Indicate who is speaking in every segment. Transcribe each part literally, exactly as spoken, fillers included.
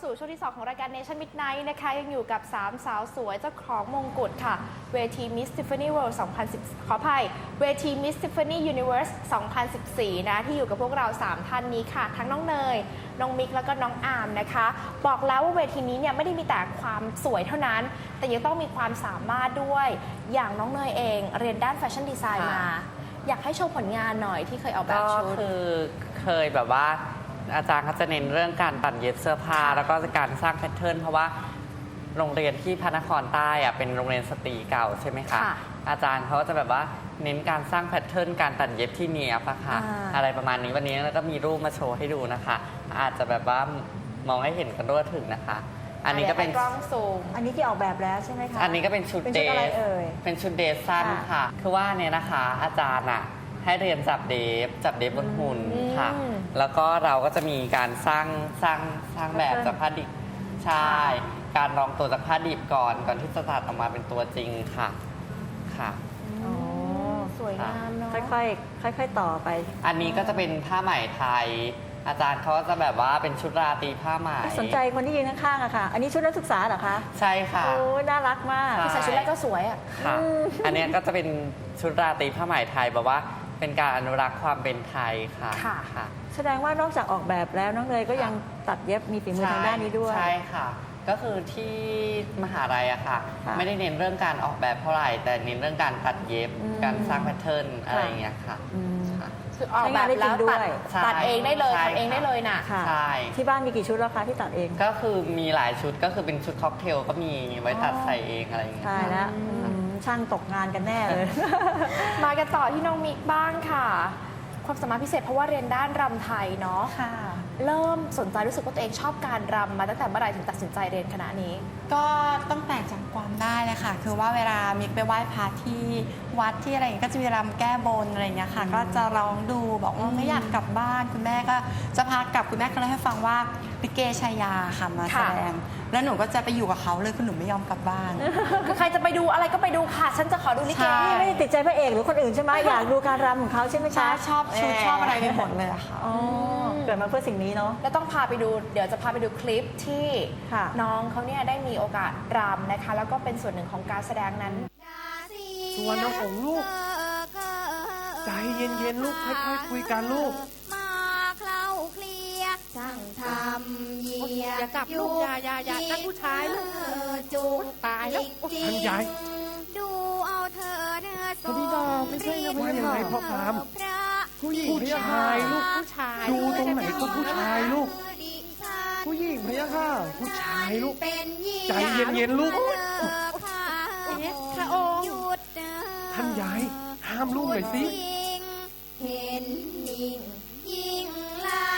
Speaker 1: สู่ช่วงที่สองของรายการ Nation Midnight นะคะยังอยู่กับสามสาวสวยเจ้าของมงกุฎค่ะเวที Miss Tiffany World สองพันสิบ ขออภัยเวที Miss Tiffany Universe สองพันสิบสี่ นะที่อยู่กับพวกเราสามท่านนี้ค่ะทั้งน้องเนยน้องมิกแล้วก็น้องอาร์มนะคะบอกแล้วว่าเวทีนี้เนี่ยไม่ได้มีแต่ความสวยเท่านั้นแต่ยังต้องมีความสามารถด้วยอย่างน้องเนยเองเรียนด้านแฟชั่นดีไซน์มาอยากให้โชว์ผลงานหน่อยที่เคยออกแบบชุด
Speaker 2: ก็คือเคยแบบว่าอาจารย์เขาจะเน้นเรื่องการตัดเย็บเสื้อผ้าแล้วก็การสร้างแพทเทิร์นเพราะว่าโรงเรียนที่พระนครใต้อะเป็นโรงเรียนสตรีเก่าใช่ไหมคะอาจารย์เขาจะแบบว่าเน้นการสร้างแพทเทิร์นการตัดเย็บที่เนียบอะค่ะอะไรประมาณนี้วันนี้แล้วก็มีรูปมาโชว์ให้ดูนะคะอาจจะแบบว่ามองให้เห็นกันทั่วถึงนะคะอันนี้ก็เป็น
Speaker 1: กล้องซูม
Speaker 3: อันนี้ที่ออกแบบแล้วใช่ไหมคะ
Speaker 2: อันนี้ก็เป็นชุดเดทเป็นชุดเดทสั้นค่ะคือว่าเนี่ยนะคะอาจารย์อะให้เรียนจับเดฟจับเดฟบนหุ่นค่ะแล้วก็เราก็จะมีการสร้างสร้างสร้างแบบจากผ้าดิบใช่การลองตัวจากผ้าดิบก่อนก่อนที่จะตัดออกมาเป็นตัวจริงค่ะค่ะ
Speaker 1: สวยงามเนาะ
Speaker 3: ค่อยๆค่อยๆต่อไป
Speaker 2: อันนี้ก็จะเป็นผ้าไหมไทยอาจารย์เขาจะแบบว่าเป็นชุดราตรีผ้าไหม
Speaker 3: สนใจคนที่ยืนข้างๆอะค่ะอันนี้ชุดนักศึกษาเหรอคะ
Speaker 2: ใช่ค่ะ
Speaker 3: โอ้น่ารักมาก
Speaker 1: ใส่ชุดแรกก็สวยอะ
Speaker 2: ค่ะอันนี้ก็จะเป็นชุดราตรีผ้าไหมไทยแบบว่าเป็นการอนุรักษ์ความเป็นไทยค่ะ
Speaker 3: ค่ะแสดงว่านอกจากออกแบบแล้วน้องเนยก็ยังตัดเย็บมีฝีมือทางด้านนี้ด้วย
Speaker 2: ใช่ค่ะก็คือที่มหาลัยอะค่ะไม่ได้เน้นเรื่องการออกแบบเท่าไหร่แต่เน้นเรื่องการตัดเย็บการสร้างแพทเทิร์นอะไรอย่างเงี้ยค่ะ
Speaker 1: คือออกแบบแล้วตัดตัดเองได้เลยทำเองได้เลยน่ะ
Speaker 2: ใช่
Speaker 3: ที่บ้านมีกี่ชุดแล้วคะที่ตัดเอง
Speaker 2: ก็คือมีหลายชุดก็คือเป็นชุดค็อกเทลก็มีไว้ตัดใส่เองอะไรอย่างเงี้ย
Speaker 3: ใช่แล้วช่างตกงานกันแน่เลย
Speaker 1: มากันต่อที่น้องมิกบ้างค่ะความสามารถพิเศษเพราะว่าเรียนด้านรำไทยเนาะ
Speaker 3: ค่ะ
Speaker 1: เริ่มสนใจรู้สึกว่าตัวเองชอบการรำมาตั้งแต่เมื่อไหร่ถึงตัดสินใจเรียนคณะนี้
Speaker 4: ก็ตั้งแต่จำความได้เลยค่ะคือว่าเวลามิกไปไหว้พระที่วัดที่อะไรอย่างเงี้ยก็จะมีรำแก้บนอะไรอย่างเงี้ยค่ะก็จะร้องดูบอกว่าไม่อยากกลับบ้านคุณแม่ก็จะพากลับคุณแม่ก็เลยให้ฟังว่าลิเกชายาค่ะมาแสดงแล้วหนูก็จะไปอยู่กับเขาเลยคือหนูไม่ยอมกลับบ้าน
Speaker 1: คือใครจะไปดูอะไรก็ไปดูค่ะฉันจะขอดูลิเก
Speaker 3: นี่ไม่ได้ติดใจพระเอกหรือคนอื่นใช่ไหมอยากดูการรำของเขาใช่ไหมคะ
Speaker 4: ชอบชุดชอบอะไรไปหมดเลยค่ะ
Speaker 3: เกิดมาเพื่อสิ่งนี้เนาะ
Speaker 1: แล้วต้องพาไปดูเดี๋ยวจะพาไปดูคลิปที่น้องเขาเนี่ยได้มีโอกาสรำนะคะแล้วก็เป็นส่วนหนึ่งของการแสดงนั้น
Speaker 5: ส่วนน้องของลูกใจเย็นๆลูกค่อยๆคุยกันลูก
Speaker 6: มาเคล้าเคลียช่างทำเยีย
Speaker 5: อย่าจับลูกอย่าอย่าอย่านั่นผู้ชายลูก
Speaker 6: จู
Speaker 5: ตายแล้วท่านยาย
Speaker 6: ดูเอาเธอเนื้อส
Speaker 5: ดไม่ใช่นะว่ายังไงพ่อพามผู้หญิงผู้ชายลูกผู้ชายดูตรงไหนก็ผู้ชายลูกผู้หญิงพะยะค่ะผู้ชายลูกใจเย็นๆลูก
Speaker 6: พระองค์
Speaker 5: ท่านยายห้ามลูกหน่อยสิ
Speaker 6: เห็นยิ่งยิ่งไล่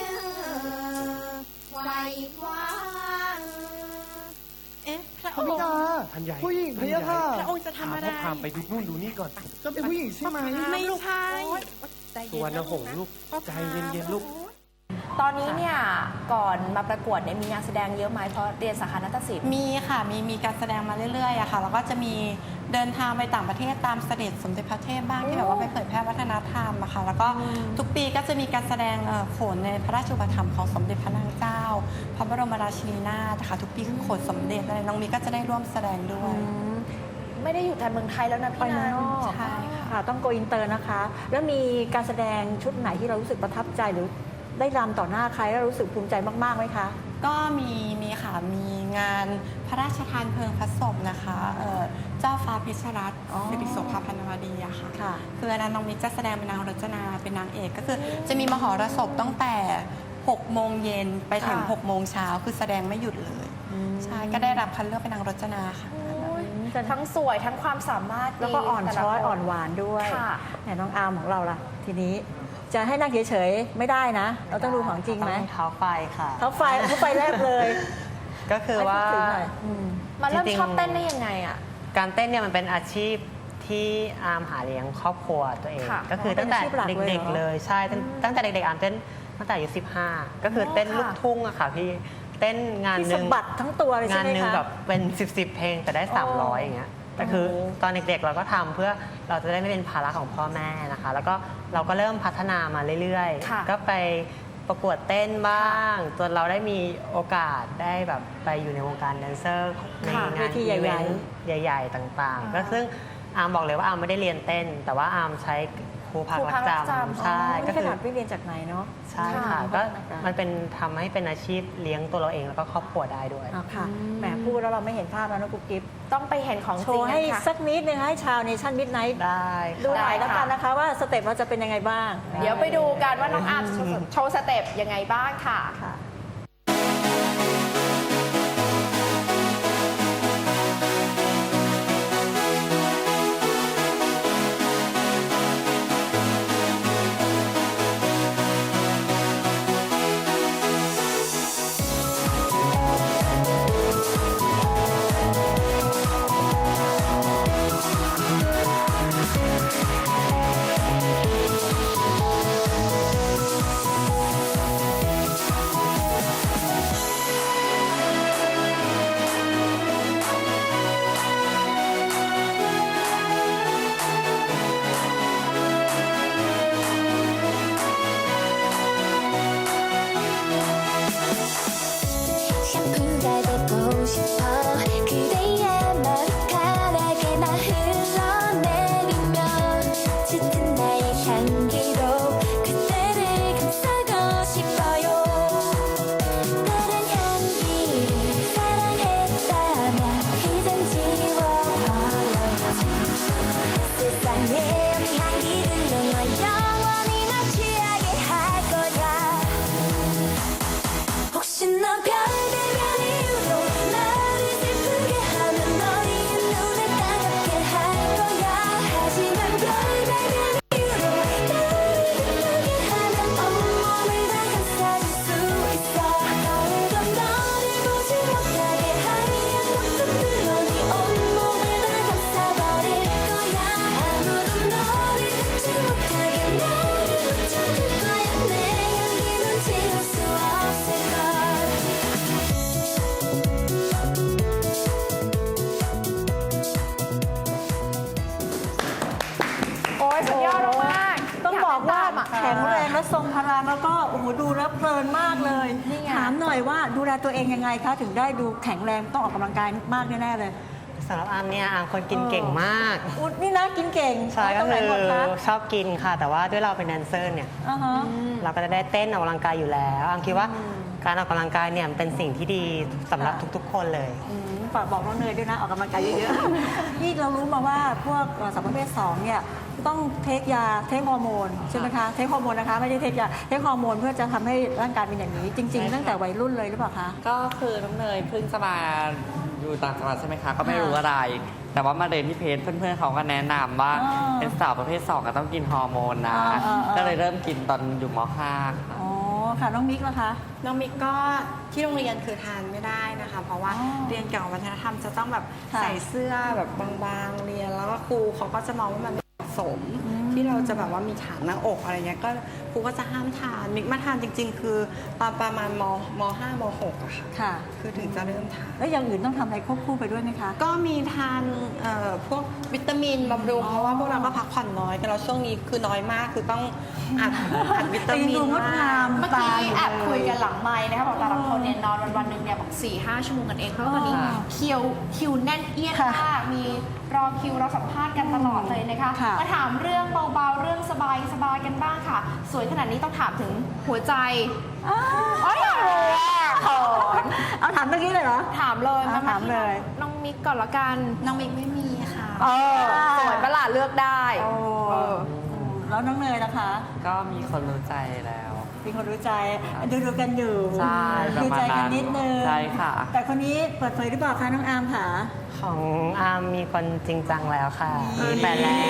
Speaker 6: ไวคว้า
Speaker 5: เอ๊ะพระองค์ท่านใหญ่ผู้หญิงพะยะค่ะพระองค์จะทำอะไรพาไปดูนู่นดูนี่ก่อนจะเป็นผู้หญิงใช่ไหม
Speaker 6: ไม่ใช่
Speaker 5: ส่วนหงลูกใจเย็นๆลูก
Speaker 1: ตอนนี้เนี่ยก่อนมาประกวดเนี่ยมีงานแสดงเยอะไหมเพราะเรียนสาขานาฏศิลป์
Speaker 4: มีค่ะมีมีการแสดงมาเรื่อยๆอะค่ะแล้วก็จะมีเดินทางไปต่างประเทศตามเสด็จสมเด็จพระเทพบ้างที่แบบว่าไปเผยแพร่วัฒนธรรมอะค่ะแล้วก็ทุกปีก็จะมีการแสดงโขนในพระราชอุปถัมภ์ของสมเด็จพระนางเจ้าพระบรมราชินีนาถค่ะทุกปีคือโขนสมเด็จอะไรน้องมีก็จะได้ร่วมแสดงด้วย
Speaker 1: ไม่ได้อยู่แต่เมืองไทยแล้วนะพี่นัน
Speaker 3: ใช่ค่ะต้องโกอินเตอร์นะคะแล้วมีการแสดงชุดไหนที่เรารู้สึกประทับใจหรือได้รำต่อหน้าใครแล้วรู้สึกภูมิใจมากๆไหมคะ
Speaker 4: ก็มีมีค่ะมีงานพระราชทานเพลิงพระศพนะคะเจ้าฟ้าพิชรัตน์สิริโสภาพันวดีอะค่ะคืออันนั้นน้องมิกจะแสดงเป็นนางรจนาเป็นนางเอกก็คือจะมีมหรสพตั้งแต่หกโมงเย็นไปถึงหกโมงเช้าคือแสดงไม่หยุดเลยใช่ก็ได้รับคัดเลือกเป็นนางรจนาค่ะ
Speaker 1: ทั้งสวยทั้งความสามารถ
Speaker 3: แล้วก็อ่อนช้อยอ่อนหวานด้วยแต่น้องอาร์มของเราล่ะทีนี้จะให้นั่งเฉยๆไม่ได้นะเราต้องดูของจริงไหม
Speaker 2: เท้าไฟค่ะ
Speaker 3: เท้าไฟเท้าไฟแรกเลย
Speaker 2: ก็คือว่า
Speaker 1: มาเริ่มชอบเต้นได้ยังไงอ่ะ
Speaker 2: การเต้นเนี่ยมันเป็นอาชีพที่อาร์มหาเลี้ยงครอบครัวตัวเองก็คือตั้งแต่เด็กๆเลยใช่ตั้งแต่เด็กๆอาร์มเต้นตั้งแต่อายุสิบห้าก็คือเต้นลูกทุ่งอะค่ะพี่เต้นงานหนึ่ง
Speaker 3: บัตรทั้งตัวเลยใช่ไหมคะ
Speaker 2: งานหนึ่งแบบเป็นสิบสิบเพลงแต่ได้สามร้อยอย่างเงี้ยแต่คือตอนเด็กๆเราก็ทำเพื่อเราจะได้ไม่เป็นภาระของพ่อแม่นะคะแล้วก็เราก็เริ่มพัฒนามาเรื่อยๆก็ไป
Speaker 7: ประกวดเต้นบ้างจนเราได้มีโอกาสได้แบบไปอยู่ในวงการแดนเซอร์ใน
Speaker 3: ค่ะ
Speaker 7: งาน
Speaker 3: เวทีใหญ่
Speaker 7: อีเวนต์ใหญ่ ๆ ต่างๆ ก็ซึ่งอาร์มบอกเลยว่าอาร์มไม่ได้เรียนเต้น แต่ว่าอาร์มใช้ครูพัก
Speaker 1: ครู
Speaker 7: รั
Speaker 1: พั
Speaker 7: ก
Speaker 1: ก
Speaker 7: จ
Speaker 1: รักจำ
Speaker 7: ำใช่
Speaker 3: ก็
Speaker 7: ก็
Speaker 3: ข
Speaker 7: คือ
Speaker 3: นาดไม่เรียนจากไหนเนาะ
Speaker 7: ใช่ค่ะ
Speaker 3: ค่ะ
Speaker 7: ก็
Speaker 3: พัฒนาการ
Speaker 7: มันเป็นทำให้เป็นอาชีพเลี้ยงตัวเราเองแล้วก็ครอบครัวได้ด้วย
Speaker 3: อ่ะค่ะแหมพูดแล้วเราไม่เห็นภาพแล้วนะกุ๊กกิ๊บ
Speaker 1: ต้องไปเห็นของ
Speaker 3: โช
Speaker 1: จริง
Speaker 3: ว์ให้
Speaker 1: กันค่ะ
Speaker 3: สักนิดนึงให้ชาวเนชั่นมิดไนท์
Speaker 7: ได้
Speaker 3: ดูหน่อย
Speaker 1: ได้
Speaker 3: แล้ว
Speaker 1: ค่ะ
Speaker 3: กันนะคะว่าสเต็ปเราจะเป็นยังไงบ้าง
Speaker 1: เดี๋ยวไปดูกันว่าน้องอาร์มจะโชว์สเต็ปยังไงบ้างค่ะ
Speaker 3: ค่ะ
Speaker 6: 샴푸가 되고 싶어 그대의 머리카락에 나 흘러내리며 짙은 나의 향기로 그대를 감싸고 싶어요 다른 향기를 사랑했다면 이젠 지워버려야지 세상에 우리 향기들로 널 영원히 나 취하게 할 거야 혹시 너 별의별 이유로 나를 슬프게 하면 너의 눈에 따갑게 할 거야 하지만 별의별 이유로 나를 기쁘게 하면 온몸을 다 감싸줄 수 있어 아무도 너를 보지 못하게 하얀 목숨들로 네 온몸을 다 감싸버릴 거야 아무도 너를 듣지 못하게 너를 붙여줄 거야 내 향기는 지울 수 없을걸
Speaker 1: โอ้ยสุดยอดมากๆ
Speaker 3: ต้องบอกว่า
Speaker 1: อยเป็นตมอะ
Speaker 3: แข็งแรงและทรงพลังแล้วก็โอ้โหดูแล้วเพลินมากเลย
Speaker 1: นี่ไง
Speaker 3: ถามหน่อยว่าดูแลตัวเองยังไงคะถึงได้ดูแข็งแรงต้องออกกำลังกายมากแน่ๆเลย
Speaker 7: สำหรับอาร์มเนี่ยอาร์มคนกินเก่งมาก
Speaker 3: อุ๊ยนี่นะกินเก่ง
Speaker 7: ใช่
Speaker 3: ต
Speaker 7: ก็
Speaker 3: รงไหน
Speaker 7: คือ
Speaker 3: หมดคะ
Speaker 7: ชอบกินค่ะ แต่ว่าด้วยเราเป็นแดนเซอร์เนี่ย
Speaker 3: อ่าฮะ
Speaker 7: เราก็จะได้เต้นออกกำลังกายอยู่แล้วอาร์มคิดว่าการออกกำลังกายเนี่ยมันเป็นสิ่งที่ดีสำหรับ
Speaker 3: ค่ะ
Speaker 7: ทุกๆ คนเลย
Speaker 3: อืมฝากบอกน้องเนยด้วยนะออกกำลังกายเยอะๆ นี่เรารู้มาว่าพวกเอ่อสาวประเภทสองเนี่ยต้องเทคยาเทคฮอร์โมนใช่ไหมคะเทคฮอร์โมนนะคะไม่ได้เทคยาเทคฮอร์โมนเพื่อจะทำให้ร่างกายเป็นอย่างนี้ จริง
Speaker 2: ใช่
Speaker 3: ๆ
Speaker 2: ค่ะ
Speaker 3: ตั้งแต่วัยรุ่นเลยหรือเปล่าคะ
Speaker 2: ก็คือน้องเนยเพิ่งจะมาอยู่ต่างจังหวัดใช่ไหมคะ ก็ไม่
Speaker 3: ค่ะ
Speaker 2: รู้อะไร แต่ว่ามาเรียนที่เพจเพื่อนๆเขาก็แนะนำว่า
Speaker 3: อ๋อ
Speaker 2: เป็นสาวประเภทสองก็ต้องกินฮอร์โมนนะ
Speaker 3: อ๋ออ๋ออ๋อ
Speaker 2: ก็เลยเริ่มกินตอนอยู่ม .ห้า ค่ะ
Speaker 3: อ๋อค่ะน้องมิกล่ะคะ
Speaker 4: น้องมิกก็ที่โรงเรียนคือทานไม่ได้นะคะ เพราะว่า
Speaker 3: อ๋อ
Speaker 4: เรียนเกี่ยวกับวัฒนธรรมจะต้องแบบ
Speaker 3: ค่ะ
Speaker 4: ใส่เสื้อแบบบางๆเรียนแล้วก็ครูเขาก็จะมองว่ามันไม่เหมาะสม ที่เราจะแบบว่ามีฐานหน้าอกอะไรเงี้ยก็ครูก็จะห้ามทานมิกมาทานจริง ๆ คือตอนประมาณมมห้ามหกอะค่ะ
Speaker 3: ค่ะ
Speaker 4: คือถึงจะเริ่มทาน
Speaker 3: แล้วอย่างอื่นต้องทำอะไรควบคู่ไปด้วยไหมคะ
Speaker 4: ก็มีทานเอ่อพวกวิตามินบำรุง
Speaker 3: อ๋อ
Speaker 4: เพราะว่าพวกเราก็พักผ่อนน้อยกันแล้วช่วงนี้คือน้อยมากคือต้องอัดอัดวิตา
Speaker 3: แต่ยัง
Speaker 4: มิน
Speaker 3: ดูงดงาม
Speaker 1: เมื่อ
Speaker 3: ตา
Speaker 1: กี้
Speaker 3: ยู่
Speaker 1: แอบ
Speaker 3: เล
Speaker 1: คุยกันหลังไมค์นะคะบอกแต่ละคนเนี่ยนอนวันวันๆหนึ่งเนี่ยบอกสี่ห้าชั่วโมงกันเองเพราะว่าตอนนี้
Speaker 3: อ๋อ
Speaker 1: คิวคิวแน่นเอียด
Speaker 3: ค่ะ
Speaker 1: มากมีรอคิวรอสัมภาษณ์กันตลอดเลยนะคะ
Speaker 3: ค่ะ
Speaker 1: มาถามเรื่องเบาๆเรื่องสบายสบายๆกันบ้างค่ะ สวยขนาดนี้ต้องถามถึงหัวใจ
Speaker 3: อ้าว
Speaker 1: อ๋ออยากรู้อะเขิน
Speaker 3: เอาถามเมื่อกี้เลยเหรอ
Speaker 1: ถามเลย
Speaker 3: อ่ะถามเลย
Speaker 1: น้องมิกก่อนละกัน
Speaker 4: น้องมิกไม่มีค่ะ
Speaker 1: เออสวยประหลาดเลือกได้
Speaker 3: โอ้
Speaker 1: เออ
Speaker 3: แล้วน้องเนยนะคะ
Speaker 2: ก็มีคนรู้ใจแล้ว
Speaker 3: มีคนรู้ใจดูดูๆกันอยู่
Speaker 2: ใช่
Speaker 3: ดูใจ
Speaker 2: ประมาณนั้
Speaker 3: กัน
Speaker 2: น
Speaker 3: นิดนึง
Speaker 2: ใช่ค่ะ
Speaker 3: แต่คนนี้เปิดเผยหรือเปล่าคะน้องอาร์มค่ะ
Speaker 7: ของอาร์มมีคนจริงจังแล้วค่ะ มีแฟนแล้ว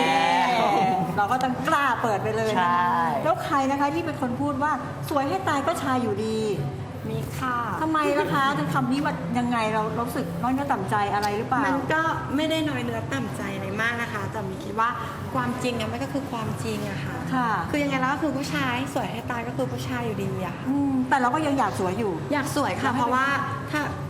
Speaker 3: เราก็ต้องกล้าเปิดไปเลย
Speaker 7: ใช่
Speaker 3: นะคะแล้วใครนะคะที่เป็นคนพูดว่าสวยให้ตายก็ชายอยู่ดี
Speaker 4: มิกค่ะ
Speaker 3: ทำไมนะคะถึงคำนี้ว่ายังไงเราเรารู้สึกน้อยเนื้อต่ำใจอะไรหรือเปล่า
Speaker 4: มันก็ไม่ได้น้อยเนื้อต่ำใจอะไรมากนะคะ แต่มิกคิดว่าความจริงอะมันก็คือความจริงอะค่ะ
Speaker 3: ค่ะ
Speaker 4: คือยังไงแล้วก็คือผู้ชายสวยให้ตายก็คือผู้ชายอยู่ดีอะ
Speaker 3: อืมแต่เราก็ยังอยากสวยอยู่
Speaker 4: อยากสวยค่ะ เพราะว่าถ้าเรา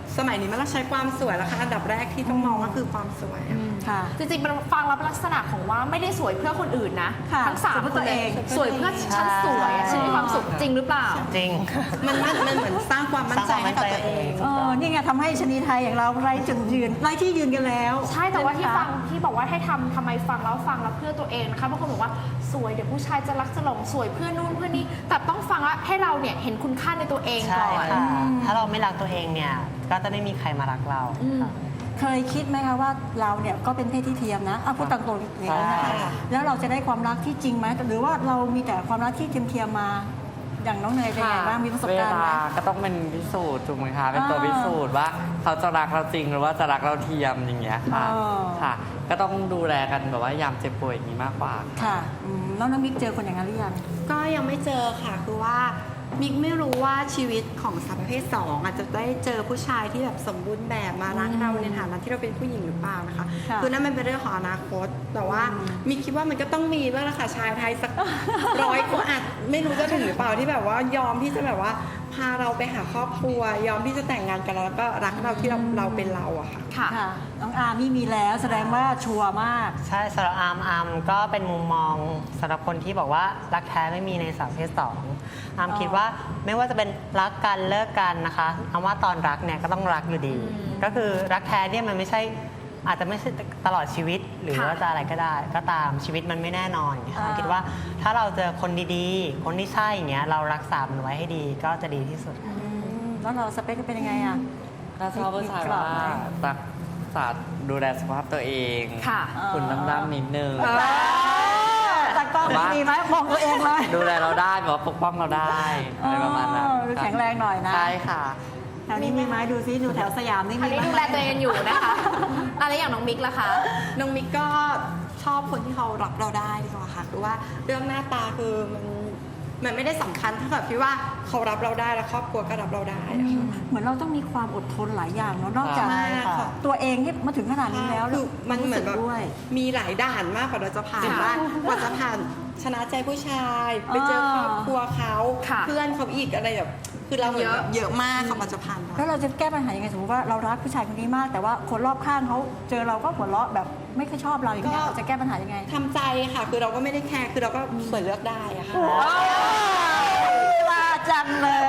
Speaker 4: สมัยนี้มันต้องใช้ความสวยแล้วค่ะอันดับแรกที่ต้องมองก็คือความสวยอะ
Speaker 3: ค่ะ
Speaker 1: จริงๆมันฟังแล้วเป็นลักษณะของว่าไม่ได้สวยเพื่อคนอื่นนะ
Speaker 3: ค่ะ
Speaker 1: ทั้งสาม
Speaker 3: สวยเพื่อ
Speaker 1: คน
Speaker 3: ตัว
Speaker 1: เล
Speaker 3: เอย ง
Speaker 1: สวยเพื่อฉันสวยอะฉันมีความสุขจริงหรือเปล่า
Speaker 7: จริง
Speaker 4: มันมันมันเหมือนสร้างความมั่นใจให้กับตัวเอง
Speaker 3: เออนี่ไงทำให้ชนีไทยอย่างเราไร้จุดยืนไร้ที่ยืนกันแล้ว
Speaker 1: ใช่แต่ว่าที่
Speaker 3: ใช่ไหม
Speaker 1: ฟั
Speaker 3: คะ
Speaker 1: งที่บอกว่าให้ทำทำไมฟังแล้วฟังแล้วเพื่อตัวเองนะคะบางคนบอกว่าสวยเดี๋ยวผู้ชายจะรักจะหลงสวยเพื่อนู่นเพื่อนี่แต่ต้องฟังว่าให้เราเนี่ยเห็นคุณค่าในตัวเอง
Speaker 7: ใช่
Speaker 1: ก่อน
Speaker 7: ค่ะ ถ้าเราไม่รักตัวเองเนี่ย ก็จะไม่มีใครมารักเราค่ะ
Speaker 3: เคยคิดไหมคะว่าเราเนี่ยก็เป็นเพศที่เทียมนะเอาพูดตามตรงอย่างนี้นะคะ
Speaker 2: ใช่
Speaker 3: แล้วเราจะได้ความรักที่จริงไหมหรือว่าเรามีแต่ความรักที่เทียมเทียมๆมาอย่างน้องเนยเป็นไงบ้างมีประสบ
Speaker 2: เว
Speaker 3: การณ์ไหม
Speaker 2: ลาก็ต้องเป็นพิสูจน์ถูกไหมคะ เป็นตัว
Speaker 3: อ่า
Speaker 2: พิสูจน์ว่าเขาจะรักเราจริงหรือว่าจะรักเราเทียมอย่างเงี้ยค่ะ
Speaker 3: อ๋อ
Speaker 2: ค่ะ ก็ต้องดูแลกันแบบว่ายามเจ็บป่วยอย่างนี้มากกว่า
Speaker 3: ค่ะอืมแล้วน้องมิกเจอคนอย่างนั้นหรือยัง
Speaker 4: ก็ยังไม่เจอค่ะคือว่ามิกไม่รู้ว่าชีวิตของสาวประเภทสองอาจจะได้เจอผู้ชายที่แบบสมบูรณ์แบบมารักเราในฐานะที่เราเป็นผู้หญิงหรือเปล่านะคะ
Speaker 3: ค่ะ
Speaker 4: คือนั่นมันเป็นเรื่องของอนาคต แต่ว่ามิกคิดว่ามันก็ต้องมีบ้างละค่ะชายไทยสัก ร้อยคนอาจไม่รู้จะถึงหรือเปล่าที่แบบว่ายอมที่จะแบบว่าพาเราไปหาครอบครัว ยอมที่จะแต่งงานกันแล้วก็รักเราที่เราเราเป็นเราอะค่ะ
Speaker 1: ค่ะ
Speaker 3: ค่ะน้องอาร์มี่มีแล้วแสดงว่าชัวร์มาก
Speaker 7: ใช่สำหรับอาร์มอาร์มก็เป็นมุมมองสำหรับคนที่บอกว่ารักแท้ไม่มีในสาวประเพศสองอาร์มคิดว่าไม่ว่าจะเป็นรักกันเลิกกันนะคะอาร์มว่าตอนรักเนี่ยก็ต้องรักอยู่ดี ก็คือรักแท้เนี่ยมันไม่ใช่อาจจะไม่ใช่ตลอดชีวิตหรือ
Speaker 1: ค่ะ
Speaker 7: ว่าจะอะไรก็ได้ ก็ตามชีวิตมันไม่แน่นอนอย่างเงี้ยอาร์มคิดว่าถ้าเราเจอคนดีๆ คนที่ใช่อย่างเงี้ยเรารักษามันไว้ให้ดีก็จะดีที่สุด
Speaker 3: อืมแล้วเราสเปคเป็นยังไงอ่ะ
Speaker 2: ถ้าชอบผู้ชายว่ารักษาดูแลสุขภาพตัวเอง
Speaker 1: ค่ะ
Speaker 2: คุณดำๆนิดนึง
Speaker 3: ตากล้องมีไหมมองตัวเองเลย
Speaker 2: ดูแลเราได้แบบว่าปกป้องเราได้อะไรประมาณนั้น
Speaker 3: เออดูแข็งแรงหน่อยนะ
Speaker 2: ใช่ค่ะ
Speaker 3: แถวนี้มีไหมดูซิดูแถวสยามนี่
Speaker 1: อัน
Speaker 3: มี
Speaker 1: นี้
Speaker 3: ไหม
Speaker 1: ดูแลตัวเองอยู่นะคะอะไรอย่างน้องมิกล่ะคะ
Speaker 4: น้องมิกก็ชอบคนที่เขารับเราได้ดีกว่าค่ะคือว่าเรื่องหน้าตาคือมันมันไม่ได้สำคัญเท่ากับที่ว่าเขารับเราได้และครอบครัวก็รับเราได้อะค่ะ
Speaker 3: เหมือนเราต้องมีความอดทนหลายอย่างเนาะนอกจาก
Speaker 4: ใช่ค่ะ
Speaker 3: ตัวเองที่มาถึงขนาดนี้แล้ว
Speaker 4: คือมันเหมือนแบบ
Speaker 3: รู้สึกด้วย
Speaker 4: มีหลายด่านมากกว่าเราจะผ่าน
Speaker 1: ค่ะ
Speaker 4: ได้กว่าจะผ่านชนะใจผู้ชาย ไปเจอครอบครัวเขา
Speaker 1: ค่ะ
Speaker 4: เพื่อนเขาอีกอะไรแบบคือเราเหมือนแบบเยอะมากค่ะกว่าจะผ่านมา
Speaker 3: แล้วเราจะแก้ปัญหายังไงสมมติว่าเรารักผู้ชายคนนี้มาก แต่ว่าคนรอบข้างเขาเจอเราก็หัวเราะแบบไม่ค่อยชอบเราอย่างเงี้ย
Speaker 4: ก็
Speaker 3: เราจะแก้ปัญหายังไง
Speaker 4: ทำใจค่ะ คือเราก็ไม่ได้แคร์คือเราก็สวยเลือกได้อะค่ะ
Speaker 3: ว่าจังเลย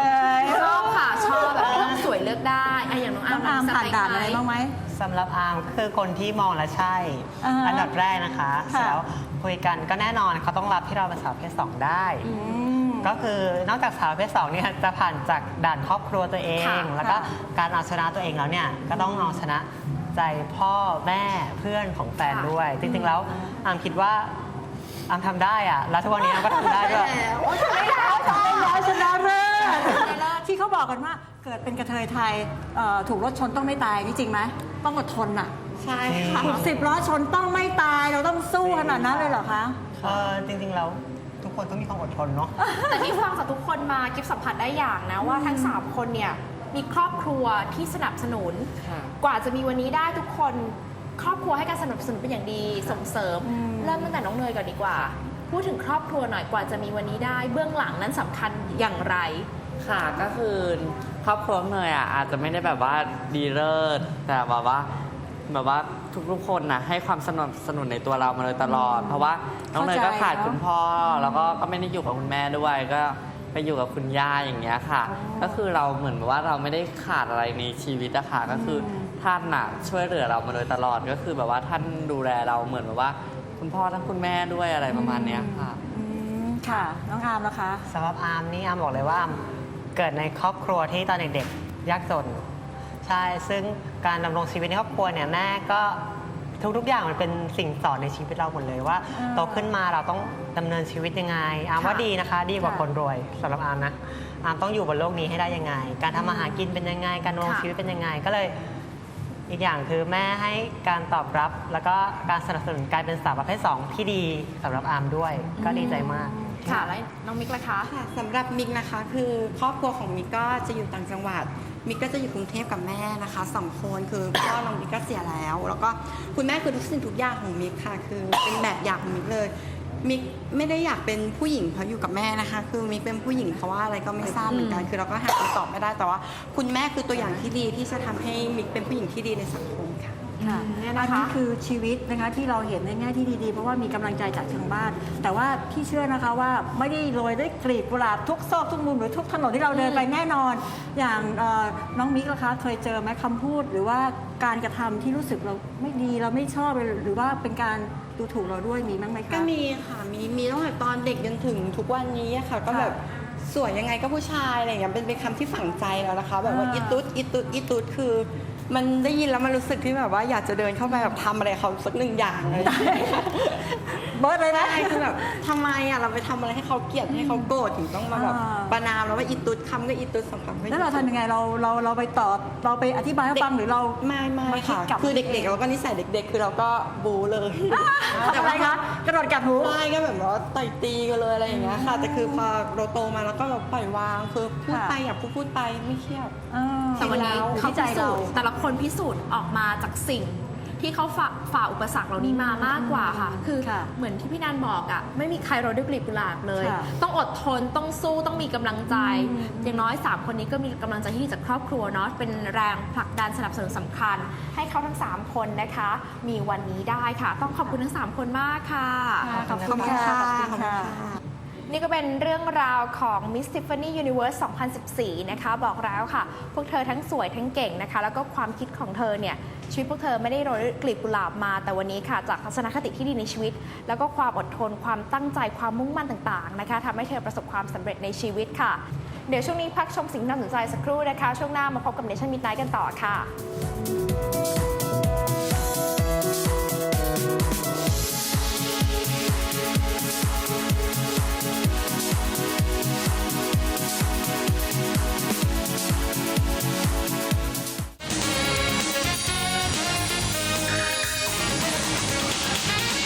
Speaker 1: ชอบค่ะชอบแบบนี้ต้องสวยเลือกได้อะอย่างน้องอา
Speaker 3: น้
Speaker 1: ร์
Speaker 3: อง
Speaker 1: ม
Speaker 3: อาร์ม
Speaker 1: ส
Speaker 3: ผ่าน
Speaker 1: เปค
Speaker 3: ด่าน
Speaker 1: หม
Speaker 3: อะไรบ้างไหม
Speaker 7: สำหรับอาร์มคือคนที่มองและใช่
Speaker 3: อ่าฮะ
Speaker 7: อันดับแรกนะคะเสร็จ
Speaker 3: ค่ะ
Speaker 7: แล้วคุยกันก็แน่นอนเขาต้องรับที่เราเป็นสาวประเพศสองได้
Speaker 3: อืม
Speaker 7: ก็คือนอกจากสาวประเพศสองเนี่ยจะผ่านจากด่านครอบครัวตัวเอง
Speaker 1: ค่ะ
Speaker 7: แล้วก็
Speaker 3: ค่ะ
Speaker 7: การเอาชนะตัวเองแล้วเนี่ยก็ต้องเอาชนะใจพ่อแม่เพื่อนของแฟนด้วย จริงๆแล้วอาร์มคิดว่าอาร์มทำได้อะแล้วทุกวันนี้อาร์มก็ทำได้ด้วย
Speaker 3: โอ้ยไม่ได้ตายแล้วชนะเลิศที่เขาบอกกันว่าเกิดเป็นกระเทยไทยเอ่อถูกรถชนต้องไม่ตายนี่จริงไหมต้องอดทนอ่ะ
Speaker 4: ใช่ค่ะ
Speaker 3: ถูกสิบล้อชนต้องไม่ตายเราต้องสู้ขนาดนั้นเลยเหรอคะ
Speaker 7: เออจริงๆแล้วทุกคนต้องมีความอดทนเนาะ
Speaker 1: แต่ที่ฟังจากทุกคนมากิฟสัมผัสได้อย่างนะว่าทั้งสามคนเนี่ยมีครอบครัวที่สนับสนุน
Speaker 2: ค่ะ
Speaker 1: กว่าจะมีวันนี้ได้ทุกคนครอบครัวให้การสนับสนุนเป็นอย่างดีส่งเสริม
Speaker 3: อืม
Speaker 1: เริ่มตั้งแต่น้องเนยก่อนดีกว่า พูดถึงครอบครัวหน่อยกว่าจะมีวันนี้ได้ เบื้องหลังนั้นสำคัญอย่างไร
Speaker 2: ค่ะก็คือครอบครัวเนยอ่ะอาจจะไม่ได้แบบว่าดีเลิศแต่แบบว่าแบบว่าทุกๆคนนะให้ความสนับสนุนในตัวเรามาโดยตลอด เพราะว่าน้องเนยก็ขาดคุณพ่อแล้วก็ก็ไม่ได้อยู่กับคุณแม่ด้วย ก็ไปอยู่กับคุณย่าอย่างเงี้ยค่ะ ก็คือเราเหมือนแบบว่าเราไม่ได้ขาดอะไรในชีวิตอะค่ะก็คือท่านน่ะช่วยเหลือเรามาโดยตลอดก็คือแบบว่าท่านดูแลเราเหมือนแบบว่าคุณพ่อทั้งคุณแม่ด้วยอะไรประมาณเนี้ยค่ะ
Speaker 3: อืมค่ะ น้องอาร์มนะคะ
Speaker 7: สำหรับอาร์มนี่อาร์มบอกเลยว่าอาร์มเกิดในครอบครัวที่ตอนเด็กๆยากจน ใช่ ซึ่งการดำรงชีวิตในครอบครัวเนี่ยแม่ก็ทุกๆอย่างมันเป็นสิ่งสอนในชีวิตเราหมดเลยว่า
Speaker 3: อ่า
Speaker 7: โตขึ้นมาเราต้องดำเนินชีวิตยังไงอาร์มว่าดีนะคะ ดีกว่า
Speaker 3: ค่ะ
Speaker 7: คนรวยสำหรับอาร์มนะอาร์มต้องอยู่บนโลกนี้ให้ได้ยังไง การทำมาหากินเป็นยังไง การดำรง
Speaker 1: ค่ะ
Speaker 7: ชีวิตเป็นยังไง ก็เลยอีกอย่างคือแม่ให้การตอบรับ แล้วก็การสนับสนุนการเป็นสาวประเภทสองที่ดีสำหรับอาร์มด้วย ก็ดีใจมาก
Speaker 1: ค่ะแล้วน้องมิกล่ะคะ
Speaker 4: ค่ะสำหรับมิกนะคะคือครอบครัวของมิกก็จะอยู่ต่างจังหวัดมิกก็จะอยู่กรุงเทพกับแม่นะคะสองคนคือพ่อน้องมิกก็เสียแล้ว แล้วก็คุณแม่คือทุกสิ่งทุกอย่างของมิกค่ะ คือเป็นแบบอย่างของมิกเลยมิกไม่ได้อยากเป็นผู้หญิงเพราะอยู่กับแม่นะคะ คือมิกเป็นผู้หญิงเพราะว่าอะไรก็ไม่ทราบเหมือนกัน คือเราก็หาคำตอบไม่ได้ แต่ว่าคุณแม่คือตัวอย่างที่ดีที่จะทำให้มิกเป็นผู้หญิงที่ดีในสังคมค่ะ
Speaker 3: ค่ะ
Speaker 1: เนี่ย
Speaker 3: อั
Speaker 1: นะ
Speaker 3: น
Speaker 1: คะ
Speaker 3: นี้คือชีวิตนะคะที่เราเห็นในแง่ที่ดีๆ เพราะว่ามีกำลังใจจากทางบ้าน แต่ว่าพี่เชื่อนะคะว่าไม่ได้โรยด้วยกลีบกุหลาบทุกซอกทุกมุมหรือทุกถนนที่เราเดินไปแน่นอน อย่างเอ่อน้องมิกล่ะคะเคยเจอไหมคำพูดหรือว่าการกระทำที่รู้สึกเราไม่ดีเราไม่ชอบหรือว่าเป็นการดูถูกเราด้วยมีบ้างไหมคะ
Speaker 4: ก็มีค่ะ มี มีตั้งแต่ตอนเด็กจนถึงทุกวันนี้อะค่ะ ก็แบบสวยยังไงก็ผู้ชายอะไรอย่างเงี้ย เป็นเป็นคำที่ฝังใจแล้วนะคะ แบบว่า
Speaker 3: อ่า
Speaker 4: อีตุ๊ดอีตุ๊ดอีตุ๊ดคือ มันได้ยินแล้วมันรู้สึกที่แบบว่าอยากจะเดินเข้าไปแบบทำอะไรเขาสักหนึ่งอย่างเลย
Speaker 3: เบิร์ดเลยนะ
Speaker 4: ใช่คือแบบทำไมอ่ะเราไปทำอะไรให้เขาเกลียดให้เขาโกรธถึงต้องมาแบบ
Speaker 3: อ่า
Speaker 4: ประนามแล้วว่าอีตุ๊ดคำก็อีตุ๊ดสองคำก็อีตุ๊ด
Speaker 3: แล้วเราทำยังไงเราเราเราไปตอบเราไปอธิบายให้ฟังหรือเรา
Speaker 4: ไม่ไม่
Speaker 3: มาคิด
Speaker 4: ค่ะ
Speaker 3: กลับ
Speaker 4: คือเด็กๆเราก็นิสัยเด็ก ๆ คือเราก็บูเลย
Speaker 3: ทำอะไรคะกระโดดกัดหู
Speaker 4: ใช่ก็แบบว่าต่อยตีกันเลยอะไรอย่างเงี้ยค่ะ แต่คือพอเราโตมาแล้วก็แบบปล่อยวางคือพูด
Speaker 3: ค่ะ
Speaker 4: ไปอยากพูดพูดไปไม่เครียด
Speaker 3: อ่า
Speaker 1: แต่วันนี้
Speaker 3: อยู่
Speaker 1: เขา
Speaker 3: ที่ใจ
Speaker 1: พิ
Speaker 3: เรา
Speaker 1: สูจน์แต่ละคนพิสูจน์ออกมาจากสิ่ง ที่เขาฝ่าฝ่าอุปสรรคเหล่านี้มามากกว่าค่ะ คือ
Speaker 3: ค่ะ
Speaker 1: เหมือนที่พี่นันบอกอ่ะไม่มีใครโรยด้วยกลีบกุหลาบเลย
Speaker 3: ค่ะ
Speaker 1: ต้องอดทนต้องสู้ต้องมีกำลังใจ
Speaker 3: อืม
Speaker 1: อย่างน้อย สาม คนนี้ก็มีกำลังใจที่ดีจากครอบครัวเนาะเป็นแรงผลักดันสนับสนุนสำคัญ ให้เขาทั้ง สาม คนนะคะ มีวันนี้ได้ค่ะ ต้องขอบคุณทั้ง สาม คนมากค่ะ
Speaker 3: ขอบคุณค่ะ
Speaker 4: ขอบคุณค่ะ
Speaker 1: นี่ก็เป็นเรื่องราวของ Miss Tiffany Universe สองพันสิบสี่ นะคะ บอกแล้วค่ะ พวกเธอทั้งสวยทั้งเก่งนะคะ แล้วก็ความคิดของเธอเนี่ย ชีวิตพวกเธอไม่ได้โรยด้วยกลีบกุหลาบมา แต่วันนี้ค่ะ จากทัศนคติที่ดีในชีวิต แล้วก็ความอดทน ความตั้งใจ ความมุ่งมั่นต่างๆ นะคะทำให้เธอประสบความสำเร็จในชีวิตค่ะ เดี๋ยวช่วงนี้พักชมสิ่งที่น่าสนใจสักครู่นะคะ ช่วงหน้ามาพบกับ Nation Midnight กันต่อค่ะ